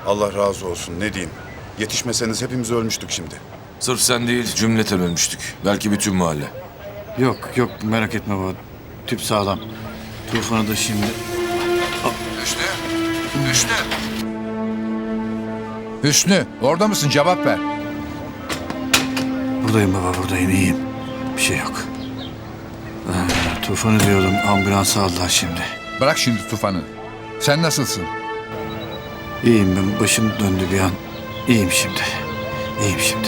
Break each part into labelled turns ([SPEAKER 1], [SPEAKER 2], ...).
[SPEAKER 1] Allah razı olsun, ne diyeyim. Yetişmeseniz hepimiz ölmüştük şimdi.
[SPEAKER 2] Sırf sen değil, cümleten ölmüştük. Belki bütün mahalle.
[SPEAKER 3] Yok yok merak etme baba. Tüp sağlam. Tufanı da şimdi...
[SPEAKER 4] Hüsnü! Hüsnü! Hüsnü, orada mısın? Cevap ver.
[SPEAKER 3] Buradayım baba buradayım iyiyim. Bir şey yok. Tufanı diyordum ambulansa aldılar şimdi.
[SPEAKER 4] Bırak şimdi Tufan'ı. Sen nasılsın?
[SPEAKER 3] İyiyim ben başım döndü bir an. İyiyim şimdi. İyiyim şimdi.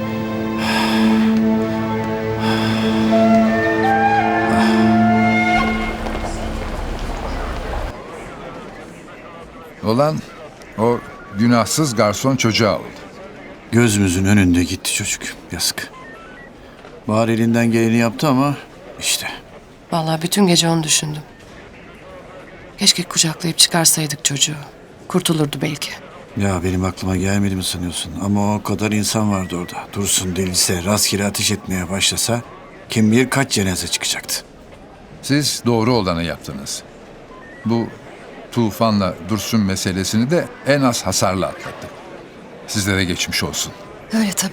[SPEAKER 4] Olan o günahsız garson çocuğa oldu.
[SPEAKER 3] Gözümüzün önünde gitti çocuk. Yazık. Bahar elinden geleni yaptı ama işte.
[SPEAKER 5] Vallahi bütün gece onu düşündüm. Keşke kucaklayıp çıkarsaydık çocuğu. Kurtulurdu belki.
[SPEAKER 3] Ya benim aklıma gelmedi mi sanıyorsun? Ama o kadar insan vardı orada. Dursun delilse, rastgele ateş etmeye başlasa kim bilir kaç cenaze çıkacaktı.
[SPEAKER 4] Siz doğru olanı yaptınız. Bu Tufan'la Dursun meselesini de en az hasarla atlattık. Sizlere geçmiş olsun.
[SPEAKER 6] Öyle tabii.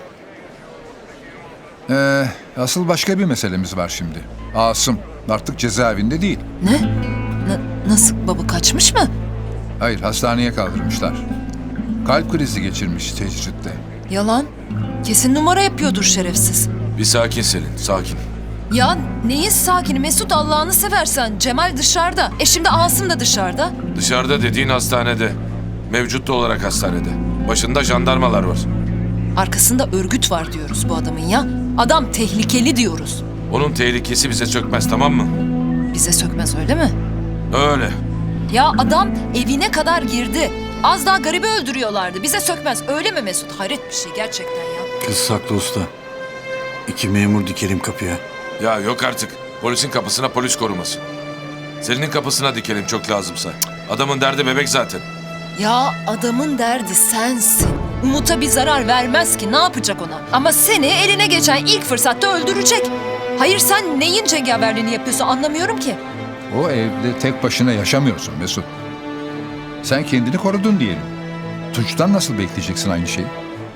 [SPEAKER 4] Asıl başka bir meselemiz var şimdi. Asım artık cezaevinde değil.
[SPEAKER 6] Ne? Nasıl baba kaçmış mı?
[SPEAKER 4] Hayır, hastaneye kaldırmışlar. Kalp krizi geçirmiş tecritte.
[SPEAKER 6] Yalan. Kesin numara yapıyordur şerefsiz.
[SPEAKER 2] Bir sakin Selin, sakin.
[SPEAKER 6] Ya neyin sakini Mesut Allah'ını seversen. Cemal dışarıda. Şimdi Asım da dışarıda.
[SPEAKER 2] Dışarıda dediğin hastanede. Mevcutta olarak hastanede. Başında jandarmalar var.
[SPEAKER 6] Arkasında örgüt var diyoruz bu adamın ya. Adam tehlikeli diyoruz.
[SPEAKER 2] Onun tehlikesi bize çökmez, tamam mı?
[SPEAKER 6] Bize sökmez öyle mi?
[SPEAKER 2] Öyle.
[SPEAKER 6] Ya adam evine kadar girdi. Az daha garibi öldürüyorlardı. Bize sökmez öyle mi Mesut? Hayret bir şey gerçekten ya.
[SPEAKER 3] Kız saklı usta. 2 memur dikelim kapıya.
[SPEAKER 2] Ya yok artık. Polisin kapısına polis koruması. Selin'in kapısına dikelim çok lazımsa. Adamın derdi bebek zaten.
[SPEAKER 6] Ya adamın derdi sensin. Umut'a bir zarar vermez ki ne yapacak ona? Ama seni eline geçen ilk fırsatta öldürecek. Hayır sen neyin cengaverliğini yapıyorsun anlamıyorum ki.
[SPEAKER 4] O evde tek başına yaşamıyorsun Mesut. Sen kendini korudun diyelim. Tunç'tan nasıl bekleyeceksin aynı şeyi?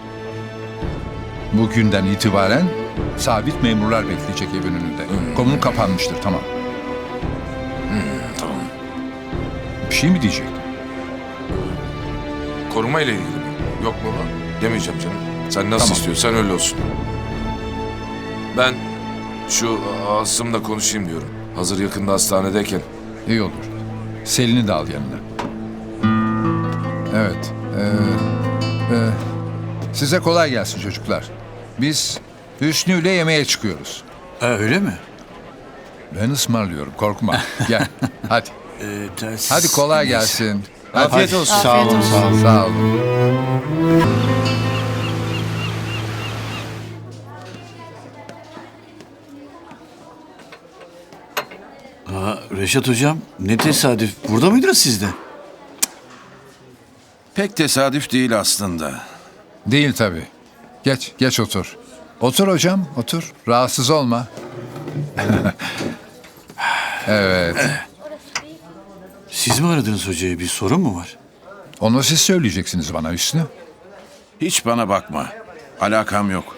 [SPEAKER 4] Bugünden itibaren sabit memurlar bekleyecek evin önünde. Konun kapanmıştır, tamam.
[SPEAKER 2] Tamam.
[SPEAKER 4] Bir şey mi diyecektin?
[SPEAKER 2] Koruma ile ilgili mi? Yok baba. Demeyeceğim canım. Sen nasıl
[SPEAKER 4] Tamam.
[SPEAKER 2] istiyorsan öyle olsun. Ben şu Asım'la konuşayım diyorum. Hazır yakında hastanedeyken.
[SPEAKER 4] İyi olur. Selin'i de al yanına. Evet. Size kolay gelsin çocuklar. Biz Hüsnü ile yemeğe çıkıyoruz.
[SPEAKER 3] Öyle mi?
[SPEAKER 4] Ben ısmarlıyorum, korkma. Gel, hadi. Hadi kolay gelsin.
[SPEAKER 3] Afiyet olsun. Sağ
[SPEAKER 5] Afiyet
[SPEAKER 3] olun,
[SPEAKER 5] olsun.
[SPEAKER 3] sağ olun.
[SPEAKER 4] Sağ olun.
[SPEAKER 3] Reşat hocam ne tesadüf. Burada mıydınız siz de?
[SPEAKER 7] Pek tesadüf değil aslında.
[SPEAKER 4] Değil tabii. Geç, geç otur. Otur hocam, otur. Rahatsız olma. Evet.
[SPEAKER 3] Siz mi aradınız hocayı? Bir sorun mu var?
[SPEAKER 4] Onu siz söyleyeceksiniz bana Hüsnü.
[SPEAKER 7] Hiç bana bakma. Alakam yok.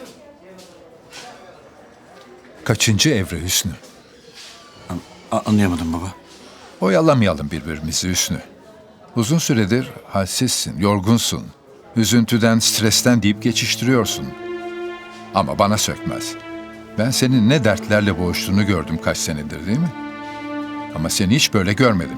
[SPEAKER 4] Kaçıncı evre Hüsnü?
[SPEAKER 3] Anlayamadım baba.
[SPEAKER 4] Oyalamayalım birbirimizi Hüsnü. Uzun süredir halsizsin, yorgunsun. Üzüntüden, stresten deyip geçiştiriyorsun. Ama bana sökmez. Ben senin ne dertlerle boğuştuğunu gördüm kaç senedir değil mi? Ama seni hiç böyle görmedim.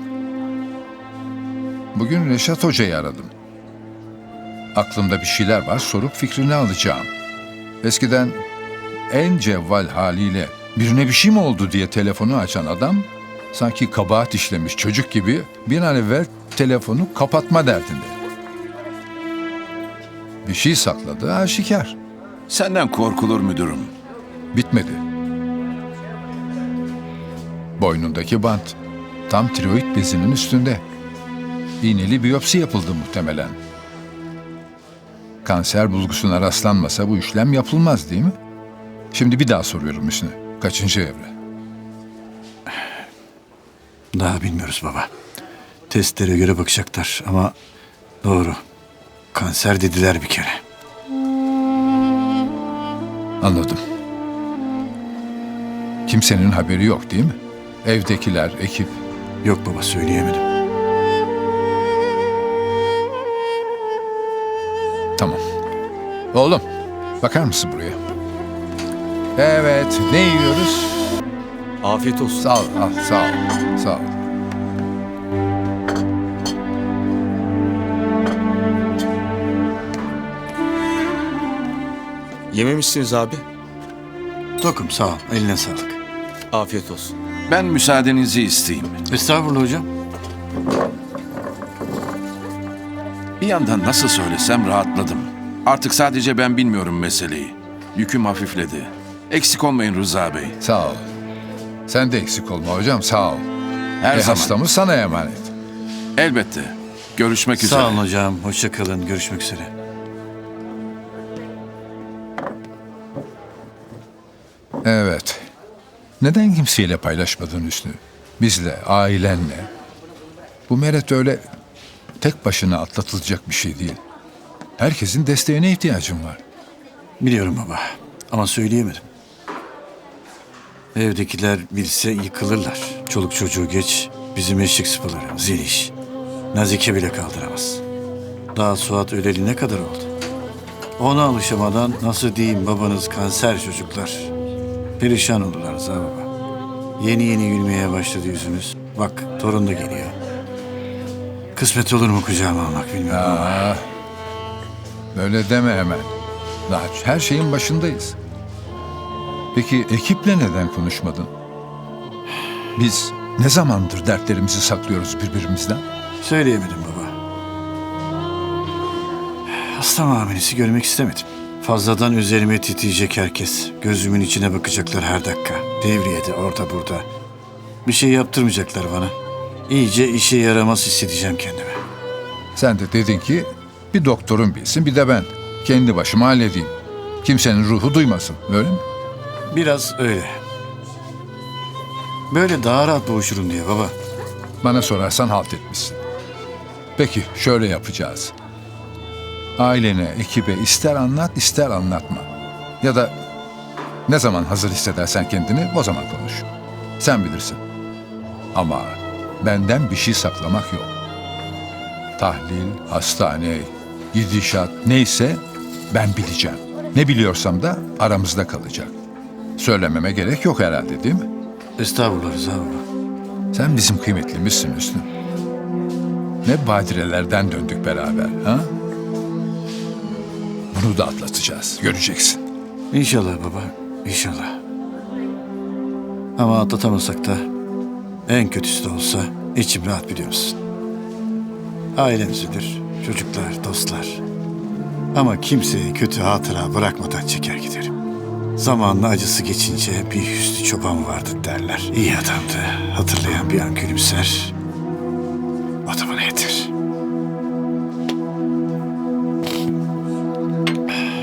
[SPEAKER 4] Bugün Reşat Hoca'yı aradım. Aklımda bir şeyler var, sorup fikrini alacağım. Eskiden en cevval haliyle birine bir şey mi oldu diye telefonu açan adam, sanki kabahat işlemiş çocuk gibi bir an evvel telefonu kapatma derdinde. Bir şey sakladı aşikar.
[SPEAKER 7] Senden korkulur müdürüm.
[SPEAKER 4] Bitmedi. Boynundaki bant tam tiroid bezinin üstünde. İğneli biyopsi yapıldı muhtemelen. Kanser bulgusuna rastlanmasa bu işlem yapılmaz değil mi? Şimdi bir daha soruyorum Hüsnü. Kaçıncı evre?
[SPEAKER 3] Daha bilmiyoruz baba. Testlere göre bakacaklar ama Doğru. Kanser dediler bir kere.
[SPEAKER 4] Anladım. Kimsenin haberi yok değil mi? Evdekiler, ekip.
[SPEAKER 3] Yok baba, söyleyemedim.
[SPEAKER 4] Tamam. Oğlum, bakar mısın buraya? Evet, ne yiyoruz?
[SPEAKER 8] Afiyet olsun.
[SPEAKER 4] Sağ ol, sağ ol, sağ ol.
[SPEAKER 8] Yememişsiniz abi.
[SPEAKER 3] Tokum, sağ ol. Eline sağlık.
[SPEAKER 8] Afiyet olsun.
[SPEAKER 7] Ben müsaadenizi isteyeyim.
[SPEAKER 3] Estağfurullah hocam.
[SPEAKER 7] Bir yandan nasıl söylesem rahatladım. Artık sadece ben bilmiyorum meseleyi. Yüküm hafifledi. Eksik olmayın Rıza Bey.
[SPEAKER 4] Sağ ol. Sen de eksik olma hocam, sağ ol.
[SPEAKER 7] Her zaman.
[SPEAKER 4] Hastamız sana emanet.
[SPEAKER 7] Elbette. Görüşmek üzere.
[SPEAKER 3] Sağ olun hocam. Hoşça kalın. Görüşmek üzere.
[SPEAKER 4] Evet. Neden kimseyle paylaşmadın Hüsnü? Bizle, ailenle. Bu meret öyle tek başına atlatılacak bir şey değil. Herkesin desteğine ihtiyacım var.
[SPEAKER 3] Biliyorum baba. Ama söyleyemedim. Evdekiler bilse yıkılırlar. Çoluk çocuğu geç. Bizim eşek sıpaları, Zeliş. Nazike bile kaldıramaz. Daha Suat öleli ne kadar oldu? Ona alışamadan nasıl diyeyim, babanız kanser çocuklar. Perişan olurlar Rıza baba. Yeni yeni gülmeye başladı yüzünüz. Bak torun da geliyor. Kısmet olur mu kucağıma almak bilmiyorum ama.
[SPEAKER 4] Aa, böyle deme hemen. Daha her şeyin başındayız. Peki ekiple neden konuşmadın? Biz ne zamandır dertlerimizi saklıyoruz birbirimizden?
[SPEAKER 3] Söyleyemedim baba. Hasta muamelesi görmek istemedim. Fazladan üzerime titriyecek herkes. Gözümün içine bakacaklar her dakika. Devriyede, orada burada. Bir şey yaptırmayacaklar bana. İyice işe yaramaz hissedeceğim kendimi.
[SPEAKER 4] Sen de dedin ki bir doktorun bilsin bir de ben. Kendi başıma halledeyim. Kimsenin ruhu duymasın. Öyle mi?
[SPEAKER 3] Biraz öyle. Böyle daha rahat boğuşurum diye baba.
[SPEAKER 4] Bana sorarsan halt etmişsin. Peki şöyle yapacağız. Ailene, ekibe ister anlat ister anlatma. Ya da ne zaman hazır hissedersen kendini o zaman konuş. Sen bilirsin. Ama benden bir şey saklamak yok. Tahlil, hastane, gidişat neyse ben bileceğim. Ne biliyorsam da aramızda kalacak. Söylememe gerek yok herhalde değil mi?
[SPEAKER 3] Estağfurullah Rıza baba.
[SPEAKER 4] Sen bizim kıymetlimizsin Hüsnü. Ne badirelerden döndük beraber ha? Bunu da atlatacağız. Göreceksin.
[SPEAKER 3] İnşallah baba, inşallah. Ama atlatamasak da en kötüsü de olsa içim rahat, biliyor musun? Ailemizdir, çocuklar, dostlar. Ama kimseye kötü hatıra bırakmadan çeker giderim. Zamanla acısı geçince bir Hüsnü Çoban vardı derler. İyi adamdı. Hatırlayan bir an gülümser. O da bana yeter.